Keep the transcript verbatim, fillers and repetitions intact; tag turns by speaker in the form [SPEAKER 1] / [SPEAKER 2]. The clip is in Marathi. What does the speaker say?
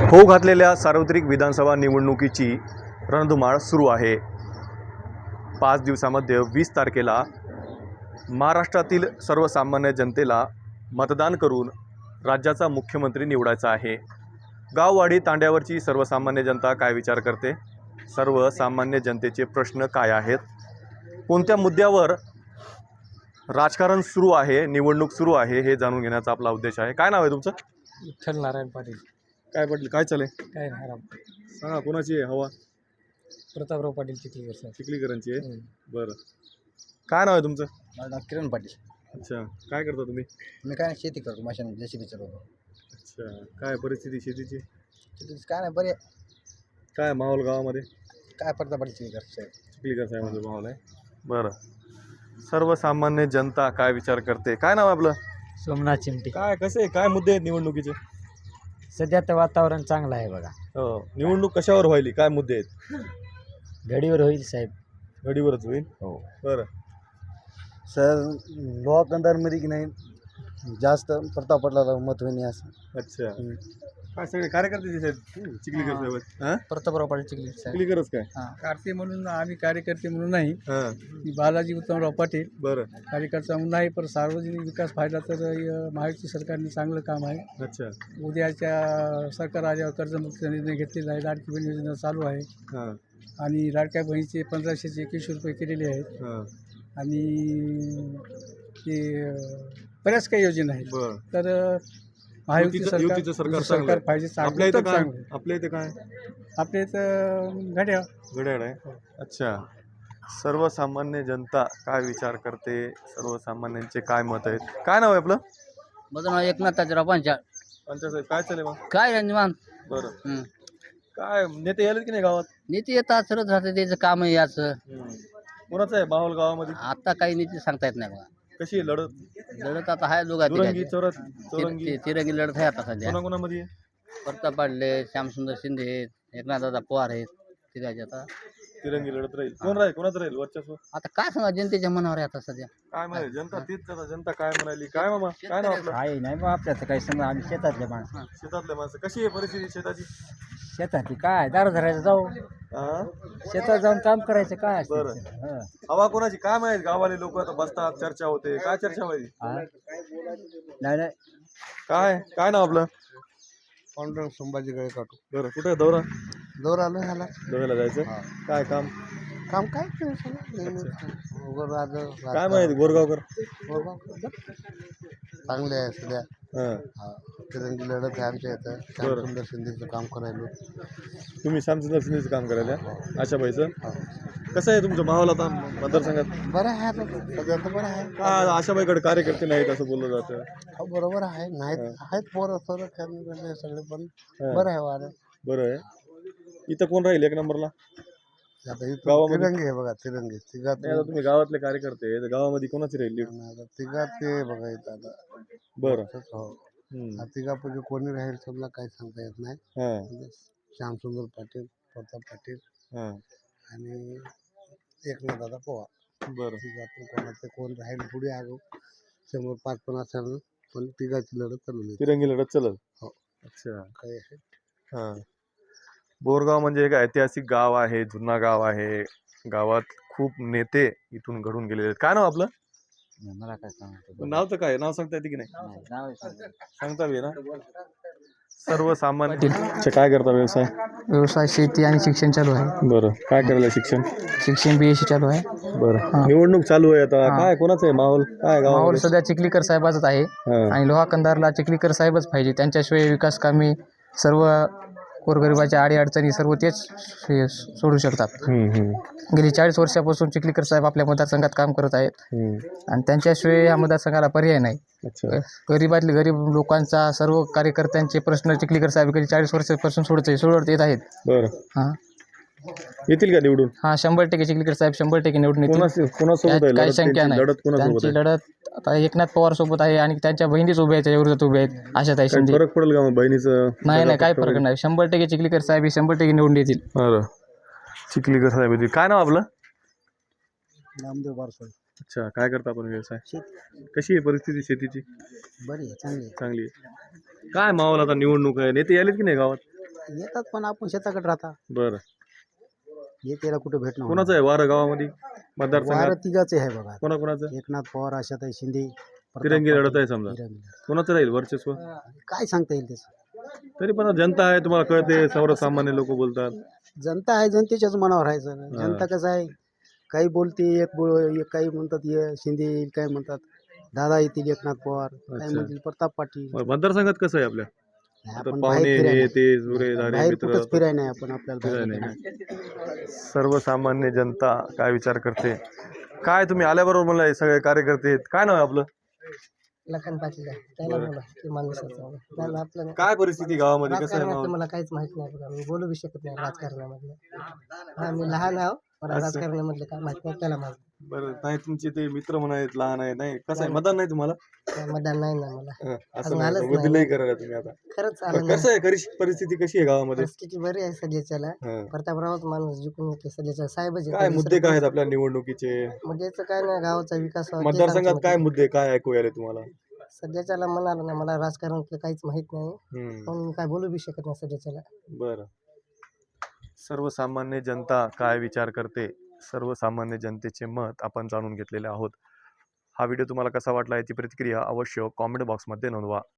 [SPEAKER 1] होऊ घातलेल्या सार्वत्रिक विधानसभा निवडणुकीची रणधुमाळ सुरू आहे. पाच दिवसामध्ये वीस तारखेला महाराष्ट्रातील सर्वसामान्य जनतेला मतदान करून राज्याचा मुख्यमंत्री निवडायचा आहे. गाववाडी तांड्यावरची सर्वसामान्य जनता काय विचार करते, सर्वसामान्य जनतेचे प्रश्न काय आहेत, कोणत्या मुद्द्यावर राजकारण सुरू आहे, निवडणूक सुरू आहे, हे जाणून घेण्याचा आपला उद्देश आहे. काय नाव आहे तुमचं?
[SPEAKER 2] विठ्ठल नारायण पाटील.
[SPEAKER 1] काय पाटील, काय चालेल?
[SPEAKER 2] काय नाही राम.
[SPEAKER 1] सांगा, कोणाची आहे हवा?
[SPEAKER 2] प्रतापराव पाटील चिखलीकर सर.
[SPEAKER 1] चिखलीकरांची आहे. बरं, काय नाव आहे तुमचं?
[SPEAKER 2] माझं नाव किरण पाटील.
[SPEAKER 1] अच्छा, काय करता तुम्ही?
[SPEAKER 2] मी काय नाही, शेती करतो, माशाने जेसीबी चालवतो.
[SPEAKER 1] अच्छा, काय परिस्थिती शेतीची?
[SPEAKER 2] शेतीचं काय नाही, बरे.
[SPEAKER 1] काय माहोल गावामध्ये?
[SPEAKER 2] काय प्रताप पाटील चिखलीकर साहेब.
[SPEAKER 1] चिखलीकर साहेबांचा माहोल आहे. बरं, सर्वसामान्य जनता काय विचार करते? काय नाव आहे आपलं?
[SPEAKER 2] सोमनाथ चिमटे.
[SPEAKER 1] काय कसं आहे, काय मुद्दे आहेत निवडणुकीचे?
[SPEAKER 2] सध्या तर वातावरण चांगलं आहे बघा.
[SPEAKER 1] हो, निवडणूक कशावर व्हायली, काय मुद्दे आहेत?
[SPEAKER 2] घडीवर होईल साहेब.
[SPEAKER 1] घडीवरच होईल.
[SPEAKER 2] हो
[SPEAKER 1] बरं,
[SPEAKER 2] सर, लोहा कंदारमध्ये की नाही जास्त प्रताप पाटलाला मत होईल असं.
[SPEAKER 1] अच्छा, काय सगळे कार्यकर्ते दिसत आहेत चिखलीकर साहेब? हां,
[SPEAKER 2] प्रतापराव पाटील चिखलीकर साहेब.
[SPEAKER 1] चिखलीकरच काय?
[SPEAKER 3] कार्ते म्हणून आम्ही कार्यकर्ते म्हणून नाही,
[SPEAKER 1] हां,
[SPEAKER 3] मी बालाजी उत्तमराव पाटील
[SPEAKER 1] बरं,
[SPEAKER 3] कार्यकर्ता म्हणून नाही, पण सार्वजनिक विकास फायदा तर अ, महायुती सरकारने चांगलं काम आहे.
[SPEAKER 1] अच्छा,
[SPEAKER 3] उद्याच्या सरकार आल्यावर कर्जमुक्तीचा निर्णय घेतलेला आहे. लाडकी बहीण योजना चालू आहे
[SPEAKER 1] हां,
[SPEAKER 3] आणि लाडक्या बहिणीचे पंधराशेचे एकवीसशे रुपये केलेले आहेत
[SPEAKER 1] हां,
[SPEAKER 3] आणि ते अ, बऱ्याच काही योजना आहेत.
[SPEAKER 1] बरं.
[SPEAKER 3] तर अ, महायुती
[SPEAKER 1] युतीचं-
[SPEAKER 3] सरकार
[SPEAKER 1] युतीचं सरकार
[SPEAKER 3] युती
[SPEAKER 1] चांगलं
[SPEAKER 3] सरकार
[SPEAKER 1] आहे.
[SPEAKER 3] पाहिजे,
[SPEAKER 1] आपल्या
[SPEAKER 3] चांगलं
[SPEAKER 1] इथं
[SPEAKER 3] तर
[SPEAKER 1] काय?
[SPEAKER 3] चांगलं.
[SPEAKER 1] आपल्या इथं काय?
[SPEAKER 3] आपल्या इथं घड्याळ.
[SPEAKER 1] घड्याळ आहे. अच्छा, सर्वसामान्य जनता काय विचार करते, सर्वसामान्यांचे काय मत आहेत? काय नाव आहे आपलं?
[SPEAKER 2] माझं नाव एकनाथ ताजराव पंचाळ.
[SPEAKER 1] पंचायत काय चालेल मग?
[SPEAKER 2] काय निवांत.
[SPEAKER 1] बरं, काय नेते यायलेत की नाही गावात?
[SPEAKER 2] नीती येतात, सरत राहते, त्याचं काम आहे याचं.
[SPEAKER 1] कोणाचं आहे माहोल गावामध्ये?
[SPEAKER 2] आता काही नीती सांगता येत नाही बघा.
[SPEAKER 1] कशी आहे लढत?
[SPEAKER 2] लढत आता आहे दोघा
[SPEAKER 1] चौरंगी
[SPEAKER 2] तिघांची.
[SPEAKER 1] चौरत चौरंगी
[SPEAKER 2] ति- तिरंगी लढत आहे आता सध्या.
[SPEAKER 1] कोणाकोणामध्ये आहे?
[SPEAKER 2] प्रताप पाडले, श्यामसुंदर शिंदे आहेत, एकनाथदादा पवार आहेत, तिघांचे. आता
[SPEAKER 1] तिरंगी लढत राहील. कोण राहील, कोणाचं राहील वर्चस्व?
[SPEAKER 2] आता काय सांगा, जनतेच्या मनावर आहे आता सध्या.
[SPEAKER 1] काय म्हणाली जनता? तीच आता जनता काय म्हणाली? काय मामा, काय नाव आपलं?
[SPEAKER 2] काय नाही मग आपल्याचं काही समजा, आम्ही शेतातले माणसं.
[SPEAKER 1] शेतातले माणसं. कशी आहे परिस्थिती शेताची?
[SPEAKER 2] शेतातली काय दार धरायचं, जाऊ
[SPEAKER 1] हा,
[SPEAKER 2] शेतात जाऊन काम करायचं. काय असतं
[SPEAKER 1] बरं.
[SPEAKER 2] ते? हं.
[SPEAKER 1] हवा कोणाची काय माहित? गावाले लोक आता बसतात, चर्चा होते. काय चर्चा व्हायची?
[SPEAKER 2] हा? नाही नाही,
[SPEAKER 1] काय काय नाव आपलं?
[SPEAKER 3] पांडुरंग संभाजी गळे काटू.
[SPEAKER 1] बरं, कुठे आहे दौरा?
[SPEAKER 3] दौर आलो ह्याला.
[SPEAKER 1] दौऱ्याला जायचं. काय काम?
[SPEAKER 3] काम काय
[SPEAKER 1] काय माहिती गोरगावकर?
[SPEAKER 3] चांगले आहे सध्या.
[SPEAKER 1] हां,
[SPEAKER 3] तिरंगी लढत आहे आमच्या इथं. श्यामसुंदर शिंदेचं काम करायलो.
[SPEAKER 1] तुम्ही श्यामचंद्र शिंदेचं काम करायला? आशाबाईचं. कसं आहे तुमचं माहोल आता मतदारसंघात?
[SPEAKER 3] बरं आहे आता सध्या तर बरं आहे.
[SPEAKER 1] काय आशाबाईकडे कार्यकर्ते नाहीत असं बोललं जातं.
[SPEAKER 3] हो, बरोबर आहे. नाहीत आहेत पोरं सोरं खेळणे सगळे, पण बरं आहे वारं.
[SPEAKER 1] बरं आहे. इथं कोण राहील एक नंबरला
[SPEAKER 3] आता इथं
[SPEAKER 1] गावामध्ये?
[SPEAKER 3] तिरंगी आहे बघा, तिरंगी तिघात.
[SPEAKER 1] नाही, आता तुम्ही गावातले कार्यकर्ते आहे, तर गावामध्ये कोणाची राहील लीड?
[SPEAKER 3] आता तिघात ते बघा इथं आता.
[SPEAKER 1] बरं.
[SPEAKER 3] हो,
[SPEAKER 1] हम्म.
[SPEAKER 3] तिघापैकी कोणी राहील समजा काही सांगता येत नाही.
[SPEAKER 1] हां,
[SPEAKER 3] म्हणजे श्यामसुंदर पाटील, प्रताप पाटील
[SPEAKER 1] हां,
[SPEAKER 3] आणि एकनाथदादा पवार.
[SPEAKER 1] बरं.
[SPEAKER 3] तिघातून कोणाचं कोण राहील पुढे आलो समोर पाच पण असेल, पण तिघाची लढत चालू आहे.
[SPEAKER 1] तिरंगी लढत चलल.
[SPEAKER 3] हो.
[SPEAKER 1] अच्छा.
[SPEAKER 3] काय आहे?
[SPEAKER 1] हां, बोरगाव म्हणजे एक ऐतिहासिक गाव आहे, जुना गाव आहे. गावात खूप नेते इथून घडून गेलेले आहेत. काय नाव आपलं?
[SPEAKER 2] मला काय सांगतो,
[SPEAKER 1] नाव तर काय, नाव सांगता येते की नाही?
[SPEAKER 2] नाव
[SPEAKER 1] सांगता येईल ना? सर्वसामान्य अच्छा, काय करता व्यवसाय?
[SPEAKER 4] व्यवसाय, शेती आणि शिक्षण चालू आहे.
[SPEAKER 1] बरं, काय करायला शिक्षण?
[SPEAKER 4] शिक्षण बी एस सी चालू आहे.
[SPEAKER 1] बरं, निवडणूक चालू आहे आता. काय कोणाचं आहे माहोल? काय गाव?
[SPEAKER 4] माहोल सध्या चिखलीकर साहेबाचाच आहे आणि लोहा कंदारला चिखलीकर साहेबच पाहिजे. त्यांच्याशिवाय विकास कामे, सर्व गोरगरिबाच्या अडीअडचणी सर्व तेच हे सोडू शकतात. गेली चाळीस वर्षापासून चिखलीकर साहेब आपल्या मतदारसंघात काम करत आहेत आणि त्यांच्याशिवाय या मतदारसंघाला पर्याय नाही. गरीबातले गरीब लोकांचा, सर्व कार्यकर्त्यांचे प्रश्न चिखलीकर साहेब गेली चाळीस वर्षापासून सोडत सोडत येत आहेत.
[SPEAKER 1] बरं,
[SPEAKER 4] हां,
[SPEAKER 1] येतील का निवडून?
[SPEAKER 4] हां, शंभर टक्के चिखलीकर साहेब शंभर टक्के निवडून येतील.
[SPEAKER 1] कोणासोबत आहे
[SPEAKER 4] काही
[SPEAKER 1] लढत?
[SPEAKER 4] शंका नाही.
[SPEAKER 1] लढत कोणासोबत
[SPEAKER 4] त्यांची
[SPEAKER 1] आहे?
[SPEAKER 4] लढत आता एकनाथ पवार सोबत आहे आणि त्यांच्या बहिणीच उभ्या आहेत, त्या विरोधात उभ्या आहेत. आशाताई
[SPEAKER 1] काही
[SPEAKER 4] शिंदे.
[SPEAKER 1] फरक पडेल का मग बहिणीचं?
[SPEAKER 4] नाही नाही, काही फरक नाही. शंभर टक्के चिखलीकर साहेब हे शंभर टक्के निवडून येतील.
[SPEAKER 1] बरं, चिखलीकर साहेब येतील. काय नाव आपलं?
[SPEAKER 3] नामदेव बारसोळे.
[SPEAKER 1] अच्छा, काय करता आपण व्यवसाय? कशी आहे परिस्थिती शेतीची?
[SPEAKER 3] बरी आहे, चांगली आहे.
[SPEAKER 1] चांगली आहे. काय माहोल आता निवडणूक आहे, नेते आलेत की नाही गावात?
[SPEAKER 2] येतात पण आपण शेताकडे राहता
[SPEAKER 1] बरं.
[SPEAKER 2] येतेला कुठे भेटणं
[SPEAKER 1] कोणाचं आहे वारं गावामध्ये मतदारसंघात?
[SPEAKER 2] वारं तिघाचे आहे बघा.
[SPEAKER 1] कोणा कोणाचं
[SPEAKER 2] एकनाथ पवार, आशाताई शिंदे, प्रताप
[SPEAKER 1] तिरंगी लढत
[SPEAKER 2] पाटील,
[SPEAKER 1] आहे समजा.
[SPEAKER 2] तिरंगी लढत.
[SPEAKER 1] कोणाचं राहील वर्चस्व?
[SPEAKER 2] काय सांगता येईल त्याचं.
[SPEAKER 1] तरी पण जनता आहे तुम्हाला कळते, सर्वसामान्य लोक बोलतात.
[SPEAKER 2] जनता आहे, जनतेच्याच मनावर राहायचं. जनता कसं आहे, काही बोलते, एक बोल एक काही म्हणतात ये शिंदे येईल, काय म्हणतात दादा येतील, एकनाथ पवार, काय
[SPEAKER 1] अच्छा.
[SPEAKER 2] म्हणतील प्रताप पाटील.
[SPEAKER 1] मग मतदारसंघात कसं आहे आपल्या?
[SPEAKER 2] नाही,
[SPEAKER 1] आता
[SPEAKER 2] आपण
[SPEAKER 1] पाहुणे
[SPEAKER 2] बाहेर फिरायला
[SPEAKER 1] हे
[SPEAKER 2] नाही.
[SPEAKER 1] ते जुरे धारे
[SPEAKER 2] बाहेर
[SPEAKER 1] मित्र
[SPEAKER 2] कुठंच फिराय नाही आपण, आपल्याला
[SPEAKER 1] फिरायला
[SPEAKER 2] बाहेर
[SPEAKER 1] नाही
[SPEAKER 2] फिरायला.
[SPEAKER 1] सर्वसामान्य जनता काय विचार करते? काय तुम्ही आल्याबरोबर मला हे सगळे कार्यकर्ते आहेत, काय नाव आहे आपलं?
[SPEAKER 4] लखन पाटील आहे. त्याला बोला की माणसाचं त्याला आपलं
[SPEAKER 1] काय परिस्थिती गावामध्ये, कसं आहे
[SPEAKER 4] राजकारणातलं
[SPEAKER 1] माहोल?
[SPEAKER 4] मला काहीच माहित नाही बघा. मी बोलू बी शकत नाही राजकारणामधलं. हा मी लहान आहो, मला राजकारणामधलं काय माहित नाही, त्याला माहित
[SPEAKER 1] बरं, नाही तुमचे ते मित्र म्हणा आहेत, लहान आहे, नाही कसं आहे मतदान नाही तुम्हाला?
[SPEAKER 4] नाही. मतदान नाही ना मला.
[SPEAKER 1] हं, असं
[SPEAKER 4] अजून
[SPEAKER 1] नाही
[SPEAKER 4] आलंच
[SPEAKER 1] का?
[SPEAKER 4] नाही.
[SPEAKER 1] बुद्धी लई करायला तुम्ही आता.
[SPEAKER 4] खरंच आलं
[SPEAKER 1] पण
[SPEAKER 4] नाही.
[SPEAKER 1] कसं आहे करिश- परिस्थिती कशी आहे गावामध्ये?
[SPEAKER 4] परिस्थिती बरी आहे सध्याच्याला.
[SPEAKER 1] हं.
[SPEAKER 4] प्रतापरावच माणूस जिंकून येते सध्याच्या साहेबच
[SPEAKER 1] काय मुद्दे काय आहेत आपल्या निवडणुकीचे?
[SPEAKER 4] म्हणजे याचं काय नाही, गावाचा विकास व्हावा, तेच
[SPEAKER 1] मतदारसंघात
[SPEAKER 4] आमचं
[SPEAKER 1] काय
[SPEAKER 4] मत
[SPEAKER 1] मुद्दे काय ऐकू आले तुम्हाला?
[SPEAKER 4] आहे. सध्याच्याला म्हणाला ना, मला राजकारणातलं काहीच माहित नाही,
[SPEAKER 1] हम्म.
[SPEAKER 4] म्हणून काय बोलू बी शकत नाही सध्याच्याला.
[SPEAKER 1] बरं. सर्वसामान्य जनता काय विचार करते, सर्वसामान्य जनतेचे मत आपण जाणून घेतलेले आहोत. हा व्हिडिओ तुम्हाला कसा वाटला याची प्रतिक्रिया अवश्य कॉमेंट बॉक्समध्ये नोंदवा.